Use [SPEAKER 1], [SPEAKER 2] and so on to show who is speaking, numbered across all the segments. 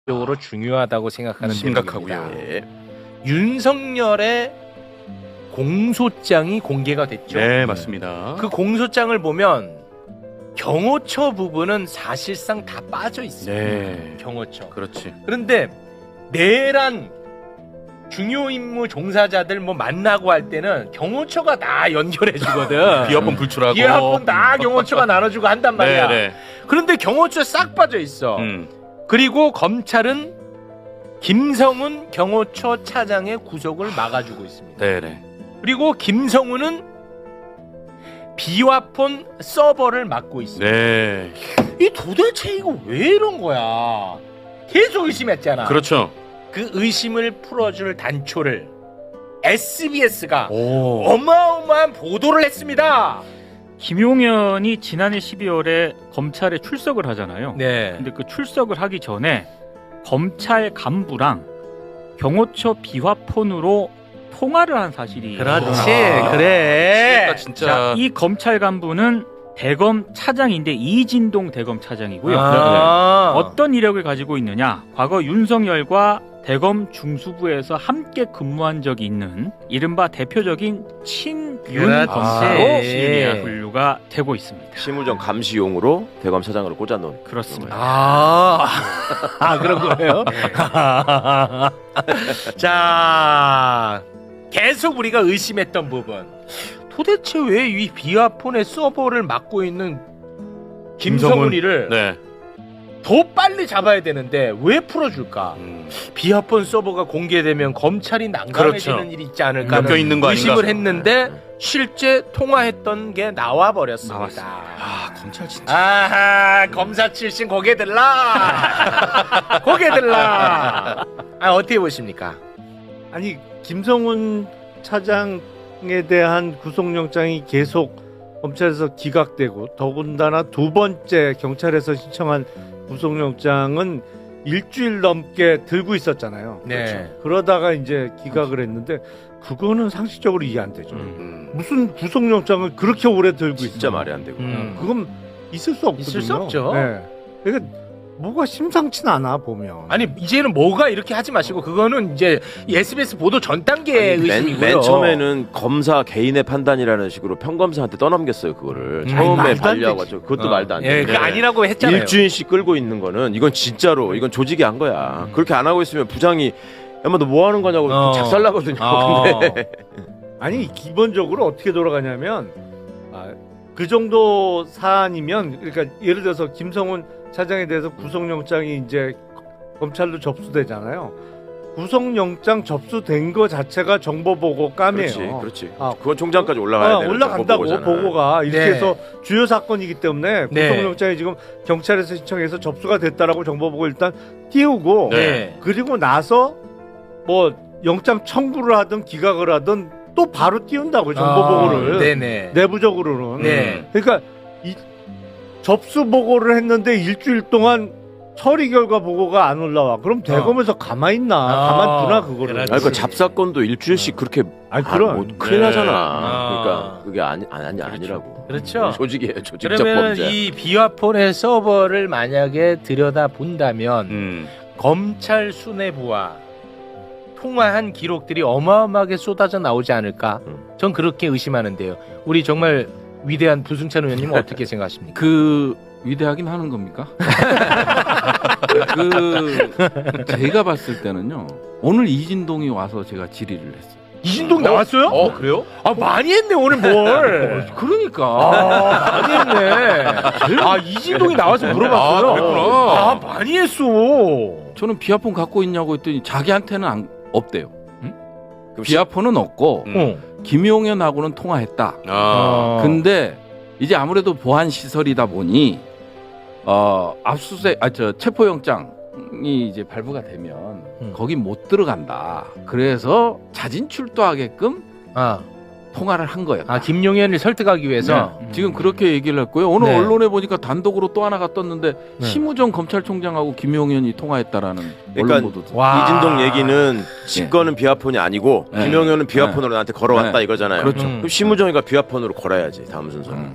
[SPEAKER 1] 적으로 중요하다고 생각하는
[SPEAKER 2] 심각하고요.
[SPEAKER 1] 내용입니다. 윤석열의 공소장이 공개가 됐죠.
[SPEAKER 2] 네, 맞습니다.
[SPEAKER 1] 그 공소장을 보면 경호처 부분은 사실상 다 빠져 있습니다.
[SPEAKER 2] 네,
[SPEAKER 1] 경호처.
[SPEAKER 2] 그렇지.
[SPEAKER 1] 그런데 내란 중요 임무 종사자들 뭐 만나고 할 때는 경호처가 다 연결해 주거든.
[SPEAKER 2] 비화폰 불출하고.
[SPEAKER 1] 비화폰 다 경호처가 나눠주고 한단 말이야.
[SPEAKER 2] 네.
[SPEAKER 1] 그런데 경호처 싹 빠져 있어. 그리고 검찰은 김성훈 경호처 차장의 구속을 막아주고 있습니다.
[SPEAKER 2] 네네.
[SPEAKER 1] 그리고 김성훈은 비화폰 서버를 맡고 있습니다.
[SPEAKER 2] 네.
[SPEAKER 1] 이 도대체 이거 왜 이런 거야? 계속 의심했잖아.
[SPEAKER 2] 그렇죠.
[SPEAKER 1] 그 의심을 풀어줄 단초를 SBS가
[SPEAKER 2] 오.
[SPEAKER 1] 어마어마한 보도를 했습니다.
[SPEAKER 3] 김용현이 지난해 12월에 검찰에 출석을 하잖아요.
[SPEAKER 1] 네.
[SPEAKER 3] 근데 그 출석을 하기 전에 검찰 간부랑 경호처 비화폰으로 통화를 한 사실이
[SPEAKER 1] 그렇지,
[SPEAKER 3] 드러났어요.
[SPEAKER 1] 그래.
[SPEAKER 2] 진짜.
[SPEAKER 3] 자, 이 검찰 간부는 대검 차장인데 이진동 대검 차장이고요.
[SPEAKER 1] 아.
[SPEAKER 3] 어떤 이력을 가지고 있느냐? 과거 윤석열과 대검 중수부에서 함께 근무한 적이 있는 이른바 대표적인 친윤
[SPEAKER 1] 그렇지.
[SPEAKER 3] 검사로 분류가 되고 있습니다.
[SPEAKER 4] 심우정 감시용으로 대검 차장으로 꽂아놓은.
[SPEAKER 3] 그렇습니다.
[SPEAKER 1] 그런 거예요? 자, 계속 우리가 의심했던 부분. 도대체 왜 이 비화폰의 서버를 맡고 있는 김성훈이를
[SPEAKER 2] 네.
[SPEAKER 1] 더 빨리 잡아야 되는데 왜 풀어줄까? 비화폰 서버가 공개되면 검찰이 난감해지는
[SPEAKER 2] 그렇죠.
[SPEAKER 1] 일이 있지 않을까
[SPEAKER 2] 엮여 있는 거 아닌가?
[SPEAKER 1] 의심을 했는데 실제 통화했던 게 나와 버렸습니다.
[SPEAKER 2] 아, 검찰 진짜.
[SPEAKER 1] 아하, 검사 출신 고개 들라. 고개 들라. 어떻게 보십니까?
[SPEAKER 5] 아니 김성훈 차장에 대한 구속영장이 계속 검찰에서 기각되고 더군다나 두 번째 경찰에서 신청한 구속영장은 일주일 넘게 들고 있었잖아요.
[SPEAKER 1] 네.
[SPEAKER 5] 그러다가 이제 기각을 했는데 그거는 상식적으로 이해 안 되죠. 무슨 구속영장을 그렇게 오래 들고 있어?
[SPEAKER 4] 진짜 말이 안 되고.
[SPEAKER 5] 그건 있을 수 없거든요.
[SPEAKER 1] 있을 수 없죠.
[SPEAKER 5] 네. 그러니까 뭐가 심상치 않아 보면.
[SPEAKER 1] 아니 이제는 뭐가 이렇게 하지 마시고 그거는 이제 SBS 보도 전 단계의 의심이고요.
[SPEAKER 4] 맨 처음에는 검사 개인의 판단이라는 식으로 평검사한테 떠넘겼어요 그거를. 처음에
[SPEAKER 5] 말도 안
[SPEAKER 4] 반려하고
[SPEAKER 5] 되지.
[SPEAKER 4] 그것도 말도 안
[SPEAKER 1] 예,
[SPEAKER 4] 돼.
[SPEAKER 1] 그 아니라고 했잖아요.
[SPEAKER 4] 일주일씩 끌고 있는 거는 이건 진짜로 이건 조직이 한 거야. 그렇게 안 하고 있으면 부장이 야마 너 뭐 하는 거냐고 작살나거든요. 근데
[SPEAKER 5] 아니 기본적으로 어떻게 돌아가냐면 그 정도 사안이면 그러니까 예를 들어서 김성훈 차장에 대해서 구속영장이 이제 검찰로 접수되잖아요. 구속영장 접수된 거 자체가 정보보고 깜이에요.
[SPEAKER 4] 그렇지.
[SPEAKER 5] 아,
[SPEAKER 4] 그건 총장까지 올라가야 되는
[SPEAKER 5] 올라간다고
[SPEAKER 4] 정보보고잖아.
[SPEAKER 5] 보고가 이렇게
[SPEAKER 1] 네.
[SPEAKER 5] 해서 주요 사건이기 때문에
[SPEAKER 1] 네.
[SPEAKER 5] 구속영장이 지금 경찰에서 신청해서 접수가 됐다라고 정보보고 일단 띄우고
[SPEAKER 1] 네.
[SPEAKER 5] 그리고 나서 뭐 영장 청구를 하든 기각을 하든 또 바로 띄운다고 정보보고를
[SPEAKER 1] 네네.
[SPEAKER 5] 내부적으로는.
[SPEAKER 1] 네.
[SPEAKER 5] 그러니까 이 접수 보고를 했는데 일주일 동안 처리 결과 보고가 안 올라와. 그럼 대검에서 가만히 있나? 가만두나 그거를.
[SPEAKER 1] 그렇지.
[SPEAKER 4] 아니, 그 잡사건도 일주일씩 그렇게
[SPEAKER 5] 아니 그럼
[SPEAKER 4] 뭐 큰일
[SPEAKER 1] 네.
[SPEAKER 4] 나잖아. 그러니까 그게 아니라고.
[SPEAKER 1] 그렇죠.
[SPEAKER 4] 조직이에요. 조직적
[SPEAKER 1] 그러면
[SPEAKER 4] 범죄.
[SPEAKER 1] 이 비화폰의 서버를 만약에 들여다 본다면 검찰 수뇌부와 통화한 기록들이 어마어마하게 쏟아져 나오지 않을까? 전 그렇게 의심하는데요. 우리 정말 위대한 부승찬 의원님은 어떻게 생각하십니까?
[SPEAKER 6] 그 위대하긴 하는 겁니까? 제가 봤을 때는요. 오늘 이진동이 와서 제가 질의를 했어요.
[SPEAKER 1] 이진동 나왔어요?
[SPEAKER 2] 그래요?
[SPEAKER 1] 많이 했네 오늘 뭘.
[SPEAKER 6] 그러니까
[SPEAKER 1] 많이 했네. 이진동이 나와서 물어봤어요.
[SPEAKER 2] 그랬구나.
[SPEAKER 1] 많이 했어.
[SPEAKER 6] 저는 비아폰 갖고 있냐고 했더니 자기한테는 없대요.
[SPEAKER 4] 그럼
[SPEAKER 6] 비아폰은 없고 김용현하고는 통화했다. 근데 이제 아무래도 보안 시설이다 보니 압수수색 체포영장이 이제 발부가 되면 거기 못 들어간다. 그래서 자진 출두하게끔 통화를 한 거예요.
[SPEAKER 1] 김용현을 설득하기 위해서.
[SPEAKER 6] 지금 그렇게 얘기를 했고요. 오늘
[SPEAKER 1] 네.
[SPEAKER 6] 언론에 보니까 단독으로 또 하나가 떴는데
[SPEAKER 1] 네.
[SPEAKER 6] 심우정 검찰총장하고 김용현이 통화했다라는
[SPEAKER 4] 그러니까
[SPEAKER 6] 언론 보도.
[SPEAKER 1] 와.
[SPEAKER 4] 이진동 얘기는 직권은 비화폰이 아니고 김용현은 비화폰으로 나한테 걸어왔다
[SPEAKER 6] 네.
[SPEAKER 4] 이거잖아요.
[SPEAKER 6] 그렇죠.
[SPEAKER 4] 그럼 심우정이가 비화폰으로 걸어야지 다음 순서는.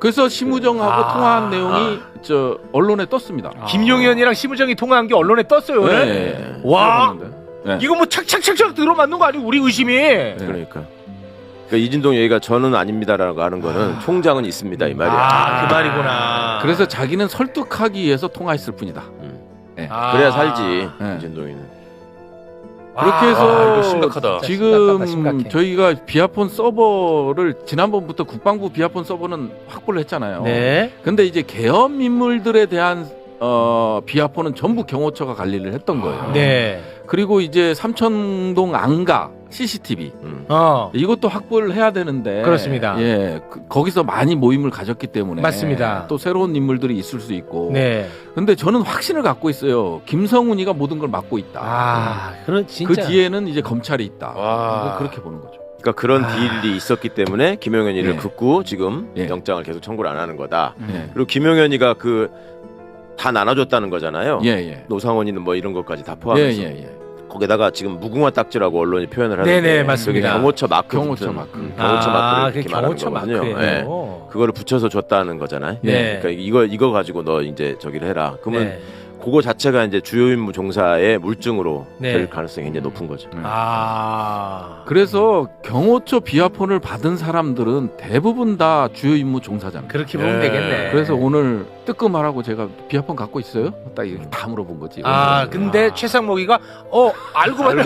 [SPEAKER 6] 그래서 심우정하고
[SPEAKER 1] 아.
[SPEAKER 6] 통화한 내용이 저 언론에 떴습니다.
[SPEAKER 1] 김용현이랑 심우정이 통화한 게 언론에 떴어요. 오늘.
[SPEAKER 6] 네.
[SPEAKER 1] 와.
[SPEAKER 6] 네.
[SPEAKER 1] 이거 뭐 착착착착 들어맞는 거 아니고 우리 의심이.
[SPEAKER 4] 그러니까 이진동 얘기가 저는 아닙니다라고 하는 거는 총장은 있습니다 이 말이야.
[SPEAKER 1] 아, 그 말이구나.
[SPEAKER 6] 그래서 자기는 설득하기 위해서 통화했을 뿐이다.
[SPEAKER 1] 아.
[SPEAKER 4] 그래야 살지
[SPEAKER 6] 네.
[SPEAKER 4] 이진동이는.
[SPEAKER 6] 그렇게 해서
[SPEAKER 2] 이거 심각하다.
[SPEAKER 6] 지금
[SPEAKER 1] 심각해.
[SPEAKER 6] 저희가 비아폰 서버를 지난번부터 국방부 비아폰 서버는 확보를 했잖아요.
[SPEAKER 1] 네.
[SPEAKER 6] 근데 이제 계엄 인물들에 대한 비아폰은 전부 경호처가 관리를 했던 거예요.
[SPEAKER 1] 네.
[SPEAKER 6] 그리고 이제 삼천동 안가 CCTV 이것도 확보를 해야 되는데
[SPEAKER 1] 그렇습니다.
[SPEAKER 6] 예, 거기서 많이 모임을 가졌기 때문에
[SPEAKER 1] 맞습니다.
[SPEAKER 6] 또 새로운 인물들이 있을 수 있고.
[SPEAKER 1] 네.
[SPEAKER 6] 근데 저는 확신을 갖고 있어요. 김성훈이가 모든 걸 맡고 있다.
[SPEAKER 1] 아, 그런 진짜.
[SPEAKER 6] 그 뒤에는 이제 검찰이 있다.
[SPEAKER 2] 와.
[SPEAKER 6] 그렇게 보는 거죠.
[SPEAKER 4] 그러니까 그런 딜이 있었기 때문에 김용현이를
[SPEAKER 6] 예.
[SPEAKER 4] 긋고 지금
[SPEAKER 6] 예.
[SPEAKER 4] 영장을 계속 청구를 안 하는 거다.
[SPEAKER 6] 예.
[SPEAKER 4] 그리고 김용현이가 다 나눠줬다는 거잖아요.
[SPEAKER 6] 예, 예.
[SPEAKER 4] 노상원이는 뭐 이런 것까지 다
[SPEAKER 6] 예,
[SPEAKER 4] 포함해서.
[SPEAKER 6] 예, 예.
[SPEAKER 4] 거기다가 지금 무궁화 딱지라고 언론이 표현을 하는데
[SPEAKER 1] 네네, 맞습니다.
[SPEAKER 4] 그게 경호처 마크
[SPEAKER 6] 경호처
[SPEAKER 4] 붙은,
[SPEAKER 6] 마크.
[SPEAKER 4] 경호처 마크를
[SPEAKER 1] 그게
[SPEAKER 4] 이렇게 말하는
[SPEAKER 1] 경호처
[SPEAKER 4] 거거든요.
[SPEAKER 1] 마크예요.
[SPEAKER 4] 예. 그거를 붙여서 줬다는 거잖아요.
[SPEAKER 1] 네.
[SPEAKER 4] 그러니까 이거 가지고 너 이제 저기를 해라. 그러면
[SPEAKER 1] 네.
[SPEAKER 4] 그거 자체가 이제 주요 임무 종사의 물증으로
[SPEAKER 1] 네.
[SPEAKER 4] 될 가능성이 굉장히 높은 거죠.
[SPEAKER 1] 아.
[SPEAKER 6] 그래서 경호처 비아폰을 받은 사람들은 대부분 다 주요 임무 종사자입니다.
[SPEAKER 1] 그렇게 보면
[SPEAKER 2] 네.
[SPEAKER 1] 되겠네.
[SPEAKER 6] 그래서 오늘 뜨끔하라고 제가 비아폰 갖고 있어요? 딱 이렇게 다 물어본 거지.
[SPEAKER 1] 아,
[SPEAKER 6] 오늘은.
[SPEAKER 1] 근데 최상목이가 알고 봤더니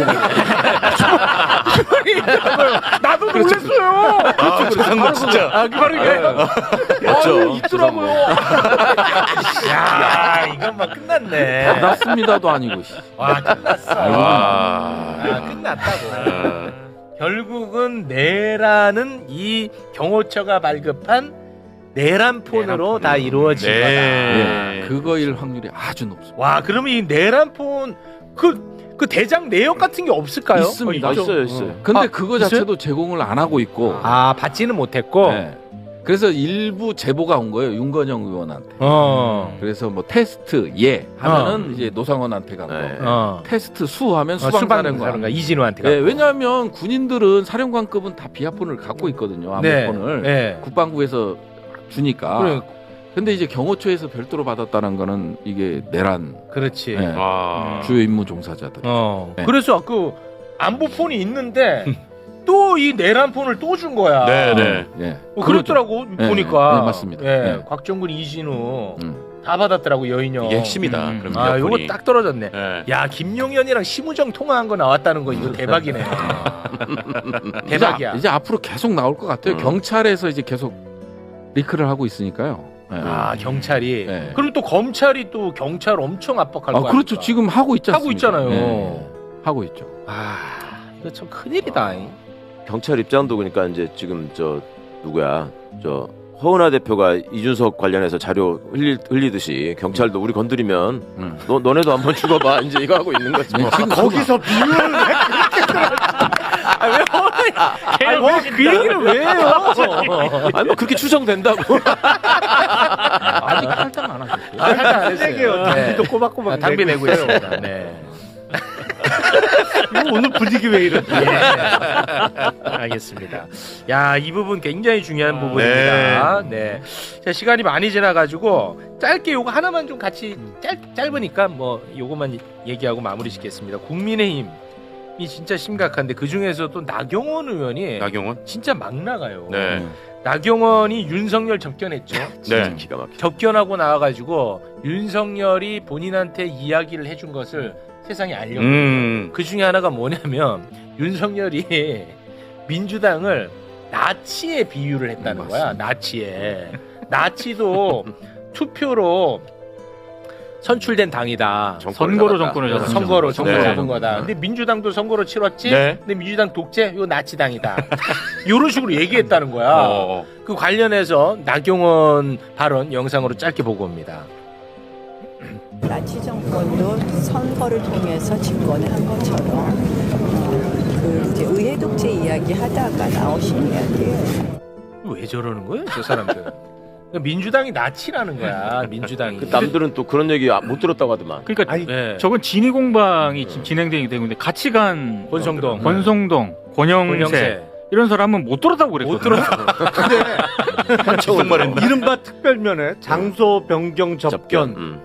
[SPEAKER 1] 나도 놀랐어요.
[SPEAKER 2] 아, 최상목 진짜.
[SPEAKER 1] 아, 그 말이
[SPEAKER 4] 맞죠.
[SPEAKER 1] 있더라고요. 야, 이건 막 끝났네.
[SPEAKER 6] 받았습니다도 아니고. 씨.
[SPEAKER 1] 와, 끝났어.
[SPEAKER 2] 아.
[SPEAKER 1] 끝났다고. 결국은 내라는 이 경호처가 발급한 내란폰으로 다 이루어진 거다.
[SPEAKER 2] 네.
[SPEAKER 6] 예, 그거일 확률이 아주 높습니다.
[SPEAKER 1] 와, 그러면 이 내란폰 그 대장 내역 같은 게 없을까요?
[SPEAKER 6] 있습니다.
[SPEAKER 4] 있어요.
[SPEAKER 6] 근데
[SPEAKER 1] 아,
[SPEAKER 6] 그거
[SPEAKER 1] 있어요?
[SPEAKER 6] 자체도 제공을 안 하고 있고.
[SPEAKER 1] 아, 받지는 못했고.
[SPEAKER 6] 네. 그래서 일부 제보가 온 거예요. 윤건영 의원한테. 그래서 뭐 테스트 하면은 이제 노상원한테 간 거.
[SPEAKER 4] 네.
[SPEAKER 6] 테스트 하면 수방사령관.
[SPEAKER 1] 수방사령관 이진우한테
[SPEAKER 6] 네,
[SPEAKER 1] 갔고.
[SPEAKER 6] 왜냐하면 군인들은 사령관급은 다 비아폰을 갖고 있거든요.
[SPEAKER 1] 네.
[SPEAKER 6] 암호폰을
[SPEAKER 1] 네.
[SPEAKER 6] 국방부에서 주니까.
[SPEAKER 1] 그래,
[SPEAKER 6] 근데 이제 경호처에서 별도로 받았다는 거는 이게 내란
[SPEAKER 1] 그렇지.
[SPEAKER 6] 네.
[SPEAKER 2] 아.
[SPEAKER 6] 주요 임무 종사자들. 네.
[SPEAKER 1] 그래서 그 안보폰이 있는데 또 이 내란폰을 또 준 거야.
[SPEAKER 2] 네네.
[SPEAKER 6] 예.
[SPEAKER 1] 그랬더라고
[SPEAKER 6] 네,
[SPEAKER 1] 보니까.
[SPEAKER 6] 네, 맞습니다.
[SPEAKER 1] 예,
[SPEAKER 6] 네.
[SPEAKER 1] 곽정근, 이진우
[SPEAKER 6] 음.
[SPEAKER 1] 다 받았더라고 여인형.
[SPEAKER 2] 이게 핵심이다.
[SPEAKER 3] 음.
[SPEAKER 2] 그럼
[SPEAKER 1] 아,
[SPEAKER 2] 비아폰이.
[SPEAKER 1] 요거 딱 떨어졌네.
[SPEAKER 2] 네.
[SPEAKER 1] 야, 김용현이랑 심우정 통화한 거 나왔다는 거 이거 대박이네. 대박이야.
[SPEAKER 6] 이제 앞으로 계속 나올 것 같아요.
[SPEAKER 4] 음.
[SPEAKER 6] 경찰에서 이제 계속 리크를 하고 있으니까요. 네.
[SPEAKER 1] 아, 경찰이.
[SPEAKER 6] 네.
[SPEAKER 1] 그럼 또 검찰이 또 경찰 엄청 압박할 거 아닙니까?
[SPEAKER 6] 그렇죠. 지금 하고 있지
[SPEAKER 1] 하고
[SPEAKER 6] 않습니까?
[SPEAKER 1] 있잖아요.
[SPEAKER 6] 네. 하고 있죠.
[SPEAKER 1] 아, 이거 참 큰일이다.
[SPEAKER 4] 경찰 입장도 그러니까 이제 지금 저 누구야 저 허은하 대표가 이준석 관련해서 자료 흘리듯이 경찰도 우리 건드리면 너네도 한번 죽어봐 이제 이거 하고 있는 거지. 뭐.
[SPEAKER 6] 지금
[SPEAKER 5] 거기서 비유를
[SPEAKER 1] 그 얘기를 왜 해요?
[SPEAKER 4] 아니 뭐 그렇게 추정된다고.
[SPEAKER 6] 아직 할당 안 하셨어요.
[SPEAKER 1] 아, 살짝 안
[SPEAKER 5] 세게요.
[SPEAKER 1] 했어요.
[SPEAKER 5] 당비도 꼬박꼬박
[SPEAKER 1] 아, 당비 내고
[SPEAKER 5] 있어요.
[SPEAKER 1] 있습니다. 네.
[SPEAKER 5] 이거 오늘 분위기 왜 이러지?
[SPEAKER 1] 예. 알겠습니다. 야, 이 부분 굉장히 중요한 부분입니다. 네. 자, 시간이 많이 지나가지고 짧게 요거 하나만 좀 같이 짧으니까 뭐 요거만 얘기하고 마무리 짓겠습니다. 국민의힘이 진짜 심각한데 그 중에서도 나경원 의원이
[SPEAKER 2] 나경원?
[SPEAKER 1] 진짜 막 나가요.
[SPEAKER 2] 네.
[SPEAKER 1] 나경원이 윤석열 접견했죠.
[SPEAKER 4] 진짜
[SPEAKER 2] 네.
[SPEAKER 4] 기가 막혀.
[SPEAKER 1] 접견하고 나와가지고 윤석열이 본인한테 이야기를 해준 것을 세상에 알려요. 그 중에 하나가 뭐냐면 윤석열이 민주당을 나치에 비유를 했다는 거야. 나치에. 나치도 투표로 선출된 당이다.
[SPEAKER 3] 선거로 정권을 잡은
[SPEAKER 1] 선거로 정권
[SPEAKER 2] 네.
[SPEAKER 1] 잡은 거다. 근데 민주당도 선거로 치렀지.
[SPEAKER 2] 네.
[SPEAKER 1] 근데 민주당 독재, 이거 나치당이다. 이런 식으로 얘기했다는 거야.
[SPEAKER 2] 어.
[SPEAKER 1] 그 관련해서 나경원 발언 영상으로 짧게 보고 옵니다.
[SPEAKER 7] 나치 정권도 선거를 통해서 집권을 한 것처럼 그 이제 의회 독재 이야기 하다가 나오신 이야기예요.
[SPEAKER 1] 왜 저러는 거예요, 저 사람들? 민주당이 나치라는 거야. 민주당이.
[SPEAKER 4] 그 남들은 또 그런 얘기 못 들었다고 하더만.
[SPEAKER 3] 그러니까
[SPEAKER 5] 아니,
[SPEAKER 1] 네.
[SPEAKER 3] 저건 진위 공방이 지금 진행되기 때문에 같이 간
[SPEAKER 1] 권성동,
[SPEAKER 3] 권성동, 권영세, 이런 사람은 못 들었다고 그랬거든요.
[SPEAKER 2] 무슨 말했나?
[SPEAKER 5] 이른바 특별면에 장소 변경 접견
[SPEAKER 4] 음.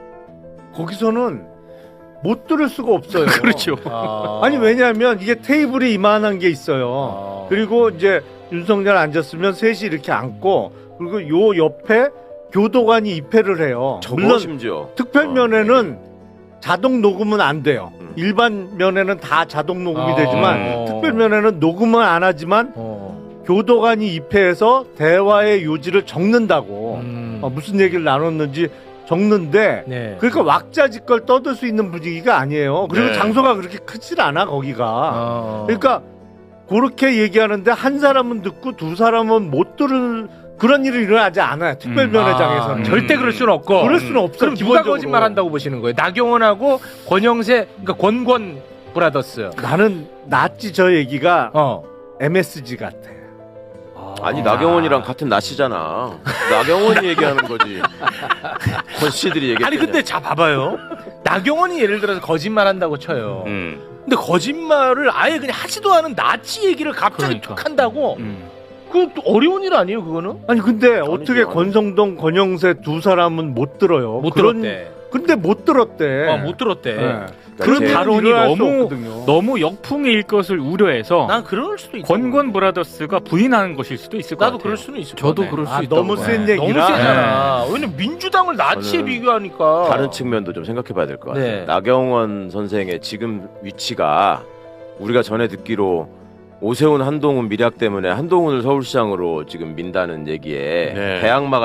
[SPEAKER 5] 거기서는 못 들을 수가 없어요.
[SPEAKER 3] 그렇죠.
[SPEAKER 5] 아니 왜냐하면 이게 테이블이 이만한 게 있어요. 그리고 이제 윤석열 앉았으면 셋이 이렇게 앉고 그리고 요 옆에 교도관이 입회를 해요.
[SPEAKER 4] 물론 심지어
[SPEAKER 5] 특별면에는 자동 녹음은 안 돼요.
[SPEAKER 4] 음.
[SPEAKER 5] 일반 면에는 다 자동 녹음이 되지만
[SPEAKER 1] 어.
[SPEAKER 5] 특별면에는 녹음은 안 하지만 교도관이 입회해서 대화의 요지를 적는다고 무슨 얘기를 나눴는지 적는데
[SPEAKER 1] 네.
[SPEAKER 5] 그러니까 왁자지껄 떠들 수 있는 분위기가 아니에요. 그리고
[SPEAKER 2] 네.
[SPEAKER 5] 장소가 그렇게 크질 않아 거기가. 그러니까 그렇게 얘기하는데 한 사람은 듣고 두 사람은 못 들을 그런 일이 일어나지 않아요. 특별면회장에서는.
[SPEAKER 1] 절대 그럴 수는 없고.
[SPEAKER 5] 그럴 수는 없어.
[SPEAKER 1] 그럼 누가 거짓말한다고 보시는 거예요? 나경원하고 권영세, 그러니까 권권 브라더스.
[SPEAKER 5] 나는 낫지 저 얘기가
[SPEAKER 1] 어.
[SPEAKER 5] MSG 같아.
[SPEAKER 4] 아니 나경원이랑 같은 나씨잖아. 나경원이 얘기하는 거지. 권 씨들이 얘기했.
[SPEAKER 1] 아니 근데 자 봐봐요. 나경원이 예를 들어서 거짓말한다고 쳐요. 근데 거짓말을 아예 그냥 하지도 않은 나치 얘기를 갑자기
[SPEAKER 3] 그러니까.
[SPEAKER 1] 툭 한다고? 그것도 어려운 일 아니에요 그거는?
[SPEAKER 5] 아니 근데 어떻게
[SPEAKER 4] 아니죠.
[SPEAKER 5] 권성동, 권영세 두 사람은 못 들어요.
[SPEAKER 1] 못
[SPEAKER 5] 그런-
[SPEAKER 1] 들었대.
[SPEAKER 5] 근데 못 들었대.
[SPEAKER 1] 못 들었대.
[SPEAKER 5] 네.
[SPEAKER 3] 그
[SPEAKER 5] 일은
[SPEAKER 3] 발언이
[SPEAKER 5] 일어날 수
[SPEAKER 3] 너무
[SPEAKER 5] 없거든요.
[SPEAKER 3] 너무 역풍일 것을 우려해서
[SPEAKER 1] 난 그럴 수도 있어.
[SPEAKER 3] 권권 브라더스가 부인하는 것일 수도 있을 것
[SPEAKER 1] 나도
[SPEAKER 3] 같아요.
[SPEAKER 1] 그럴 수는 있을 것
[SPEAKER 6] 저도
[SPEAKER 1] 같아.
[SPEAKER 6] 그럴 수
[SPEAKER 5] 아,
[SPEAKER 6] 있다고
[SPEAKER 5] 너무
[SPEAKER 6] 봐요.
[SPEAKER 5] 센
[SPEAKER 1] 너무
[SPEAKER 5] 얘기라.
[SPEAKER 1] 세잖아. 왜냐면 민주당을 나치에
[SPEAKER 4] 저는
[SPEAKER 1] 비교하니까.
[SPEAKER 4] 다른 측면도 좀 생각해봐야 될 것 같아요.
[SPEAKER 1] 네.
[SPEAKER 4] 나경원 선생의 지금 위치가 우리가 전에 듣기로 오세훈, 한동훈 밀약 때문에 한동훈을 서울시장으로 지금 민다는 얘기에
[SPEAKER 2] 네.
[SPEAKER 4] 대항마가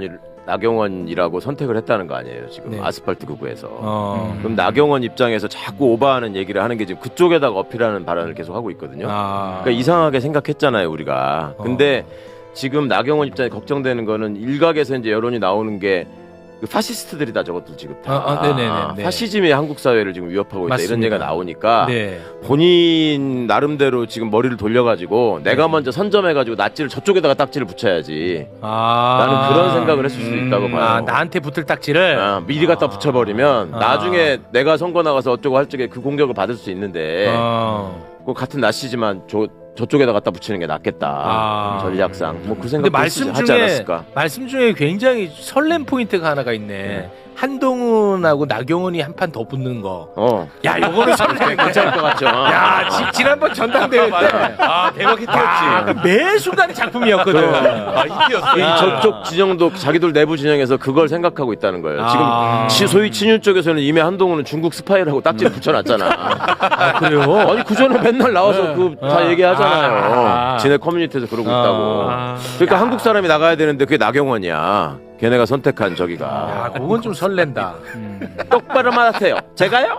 [SPEAKER 4] 나경원이라고 선택을 했다는 거 아니에요? 지금
[SPEAKER 1] 네.
[SPEAKER 4] 아스팔트 극우에서.
[SPEAKER 1] 어.
[SPEAKER 4] 그럼 나경원 입장에서 자꾸 오버하는 얘기를 하는 게 지금 그쪽에다가 어필하는 발언을 계속 하고 있거든요. 그러니까 이상하게 생각했잖아요, 우리가. 근데 지금 나경원 입장에 걱정되는 거는 일각에서 이제 여론이 나오는 게 그 파시스트들이다 저것들 지금 다.
[SPEAKER 1] 네네네.
[SPEAKER 4] 파시즘이 한국 사회를 지금 위협하고 있다 이런
[SPEAKER 1] 맞습니다.
[SPEAKER 4] 얘기가 나오니까
[SPEAKER 1] 네.
[SPEAKER 4] 본인 나름대로 지금 머리를 돌려가지고 내가 먼저 선점해가지고 낫지를 저쪽에다가 딱지를 붙여야지. 나는 그런 생각을 했을 수도 있다고 봐요.
[SPEAKER 1] 아, 나한테 붙을 딱지를.
[SPEAKER 4] 미리 갖다 붙여버리면
[SPEAKER 1] 아.
[SPEAKER 4] 나중에 내가 선거 나가서 어쩌고 할 적에 그 공격을 받을 수 있는데
[SPEAKER 1] 어.
[SPEAKER 4] 그 같은 낫이지만 저쪽에다 갖다 붙이는 게 낫겠다.
[SPEAKER 1] 아.
[SPEAKER 4] 전략상 뭐 그
[SPEAKER 1] 근데
[SPEAKER 4] 생각
[SPEAKER 1] 말씀
[SPEAKER 4] 하지
[SPEAKER 1] 중에
[SPEAKER 4] 않았을까?
[SPEAKER 1] 말씀 중에 굉장히 설렘 포인트가 하나가 있네. 한동훈하고 나경원이 한 판 더 붙는 거. 야, 요거는 설렘
[SPEAKER 4] 괜찮을 것 같죠.
[SPEAKER 1] 야, 지난번 전당대회 때.
[SPEAKER 2] 아 대박 히트였지.
[SPEAKER 1] 매 순간이 작품이었거든.
[SPEAKER 2] 아 히트였어.
[SPEAKER 4] 이 저쪽 진영도 자기들 내부 진영에서 그걸 생각하고 있다는 거예요.
[SPEAKER 1] 아.
[SPEAKER 4] 지금 소위 친윤 쪽에서는 이미 한동훈은 중국 스파이라고 딱지를 붙여놨잖아.
[SPEAKER 1] 그래요?
[SPEAKER 4] 아니 그 전에 맨날 나와서 그 다 얘기하잖아요.
[SPEAKER 1] 아.
[SPEAKER 4] 지네 커뮤니티에서 그러고 있다고.
[SPEAKER 1] 아.
[SPEAKER 4] 그러니까 한국 사람이 나가야 되는데 그게 나경원이야. 걔네가 선택한 저기가.
[SPEAKER 1] 야, 그건 좀 설렌다.
[SPEAKER 4] 똑바로 말하세요. 제가요?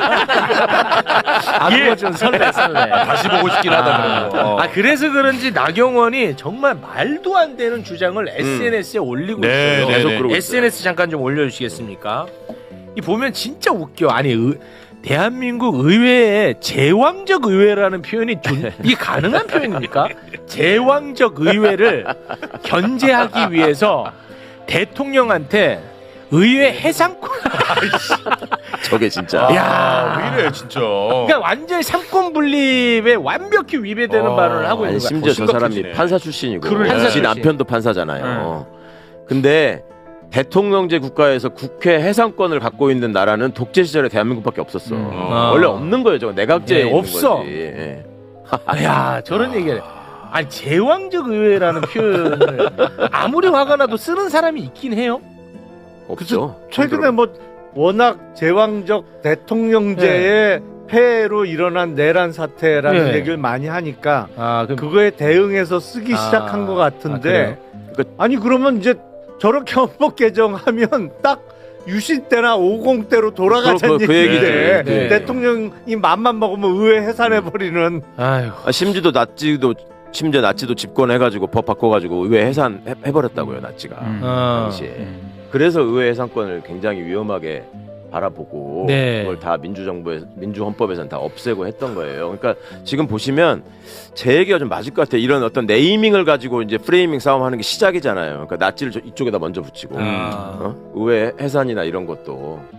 [SPEAKER 1] 아, 그거 좀 설레.
[SPEAKER 2] 다시 보고 싶긴 하다. 그런 거.
[SPEAKER 1] 아, 그래서 그런지 나경원이 정말 말도 안 되는 주장을 SNS에 올리고
[SPEAKER 2] 네,
[SPEAKER 1] 있어요.
[SPEAKER 2] 네,
[SPEAKER 4] 계속
[SPEAKER 2] 네.
[SPEAKER 4] 그러고 있어요.
[SPEAKER 1] SNS 잠깐 좀 올려주시겠습니까? 이 보면 진짜 웃겨. 아니 대한민국 의회에 제왕적 의회라는 표현이 이게 가능한 표현입니까? 제왕적 의회를 견제하기 위해서 대통령한테 의회 해상권.
[SPEAKER 4] 저게 진짜.
[SPEAKER 1] 야,
[SPEAKER 2] 왜 이래 진짜.
[SPEAKER 1] 그러니까 완전히 삼권 분립에 완벽히 위배되는 발언을 하고 있는
[SPEAKER 4] 아니,
[SPEAKER 1] 거야.
[SPEAKER 4] 심지어 저 사람이
[SPEAKER 2] 심각해지네.
[SPEAKER 4] 판사 출신이고
[SPEAKER 1] 판사
[SPEAKER 4] 지
[SPEAKER 1] 출신.
[SPEAKER 4] 남편도 판사잖아요. 근데 대통령제 국가에서 국회 해상권을 갖고 있는 나라는 독재 시절에 대한민국밖에 없었어. 원래 없는 거예요. 저거 내각제에
[SPEAKER 1] 네,
[SPEAKER 4] 있는
[SPEAKER 1] 없어.
[SPEAKER 4] 거지. 예.
[SPEAKER 1] 야, 저런 얘기를. 아니, 제왕적 의회라는 표현을 아무리 화가 나도 쓰는 사람이 있긴 해요.
[SPEAKER 4] 없죠.
[SPEAKER 5] 최근에 뭐 워낙 제왕적 대통령제의 폐해로 일어난 내란 사태라는
[SPEAKER 1] 네.
[SPEAKER 5] 얘기를 많이 하니까
[SPEAKER 1] 아,
[SPEAKER 5] 그거에 대응해서 쓰기 시작한 것 같은데 아니 그러면 이제 저렇게 헌법 개정하면 딱 유신 때나 50 때로 돌아가자는
[SPEAKER 4] 그
[SPEAKER 5] 얘기인데
[SPEAKER 1] 얘기지. 네.
[SPEAKER 5] 대통령이 맘만 먹으면 의회 해산해버리는
[SPEAKER 1] 아유.
[SPEAKER 4] 심지어 나치도 집권해가지고 법 바꿔가지고 의회 해산해버렸다고요. 나치가 당시에. 그래서 의회 해상권을 굉장히 위험하게 바라보고
[SPEAKER 1] 네.
[SPEAKER 4] 그걸 다 민주헌법에서는 다 없애고 했던 거예요. 그러니까 지금 보시면 제 얘기가 좀 맞을 것 같아요. 이런 어떤 네이밍을 가지고 이제 프레이밍 싸움하는 게 시작이잖아요. 그러니까 나치를 이쪽에다 먼저 붙이고 의회 해산이나 이런 것도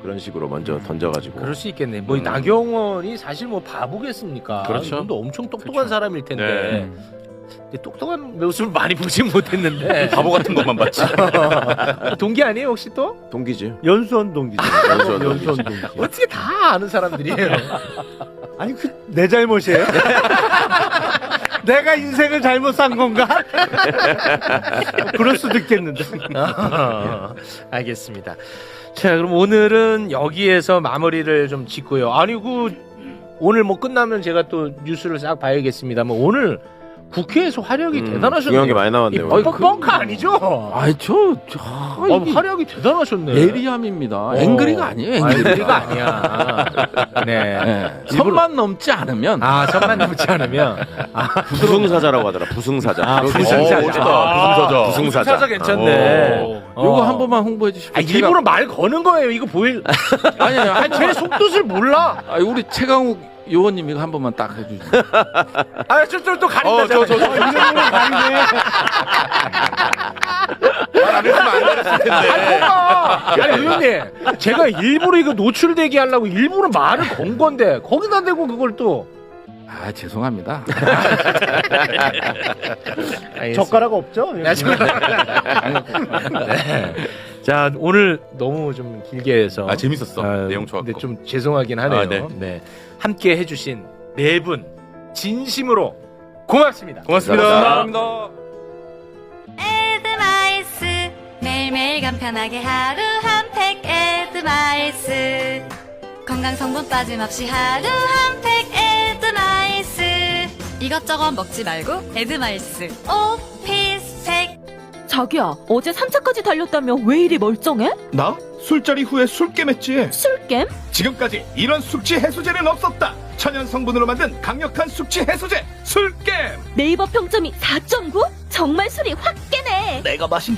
[SPEAKER 4] 그런 식으로 먼저 던져가지고.
[SPEAKER 1] 그럴 수 있겠네. 뭐 나경원이 사실 뭐 바보겠습니까?
[SPEAKER 2] 그렇죠.
[SPEAKER 1] 이분도 엄청 똑똑한
[SPEAKER 2] 그렇죠.
[SPEAKER 1] 사람일 텐데.
[SPEAKER 2] 네.
[SPEAKER 1] 근데 똑똑한 모습을 많이 보진 못했는데.
[SPEAKER 2] 바보 같은 것만 봤지.
[SPEAKER 1] 동기 아니에요 혹시 또?
[SPEAKER 4] 동기지.
[SPEAKER 5] 연수원 동기죠.
[SPEAKER 4] 연수원 동기.
[SPEAKER 1] 어떻게 다 아는 사람들이에요?
[SPEAKER 5] 아니 그 내 잘못이에요? 내가 인생을 잘못 산 건가? 그럴 수도 있겠는데.
[SPEAKER 1] 알겠습니다. 자, 그럼 오늘은 여기에서 마무리를 좀 짓고요. 아니 오늘 뭐 끝나면 제가 또 뉴스를 싹 봐야겠습니다만 오늘 국회에서 활약이 대단하셨네요.
[SPEAKER 4] 중요한 게 많이 나왔네요.
[SPEAKER 1] 이 뻥카 아니죠?
[SPEAKER 6] 아이 이게
[SPEAKER 1] 활약이 대단하셨네.
[SPEAKER 6] 예리함입니다. 앵그리가 아니에요.
[SPEAKER 1] 앵그리가 아니야. 네.
[SPEAKER 6] 네. 선만 넘지 않으면
[SPEAKER 1] 선만 넘지 않으면.
[SPEAKER 4] 부승사자라고 하더라. 부승사자.
[SPEAKER 1] 부승사자.
[SPEAKER 2] 부승사자.
[SPEAKER 4] 부승사자.
[SPEAKER 1] 괜찮네.
[SPEAKER 6] 요거 한 번만 홍보해 주십시오.
[SPEAKER 1] 일부러 말 거는 거예요. 이거 보일.
[SPEAKER 6] 아니
[SPEAKER 1] 제 속뜻을 몰라.
[SPEAKER 6] 우리 최강욱 의원님 이거 한 번만 딱 해주세요.
[SPEAKER 1] 저쪽 또 가린다.
[SPEAKER 2] 말안 했으면 안 그랬을 텐데.
[SPEAKER 1] 아니 의원님, 제가 일부러 이거 노출되게 하려고 일부러 말을 건 건데 거기다 대고 그걸 또.
[SPEAKER 6] 죄송합니다.
[SPEAKER 5] 젓가락 없죠?
[SPEAKER 1] 네. 자 오늘 너무 좀 길게 해서
[SPEAKER 2] 재밌었어. 내용 좋았고.
[SPEAKER 1] 근데 좀 죄송하긴 하네요. 네. 함께 해주신 네 분 진심으로 고맙습니다.
[SPEAKER 2] 고맙습니다.
[SPEAKER 4] 감사합니다.
[SPEAKER 8] 에드마이스 매일매일 간편하게 하루 한 팩 에드마이스 건강 성분 빠짐없이 하루 한 팩 에드마이스 이것저것 먹지 말고 에드마이스 오피스팩
[SPEAKER 9] 자기야, 어제 3차까지 달렸다며 왜 이리 멀쩡해?
[SPEAKER 10] 나? 술자리 후에 술 깨맸지.
[SPEAKER 9] 술겜?
[SPEAKER 10] 지금까지 이런 숙취 해소제는 없었다. 천연 성분으로 만든 강력한 숙취 해소제 술깨.
[SPEAKER 9] 네이버 평점이 4.9? 정말 술이 확 깨네.
[SPEAKER 10] 내가 마신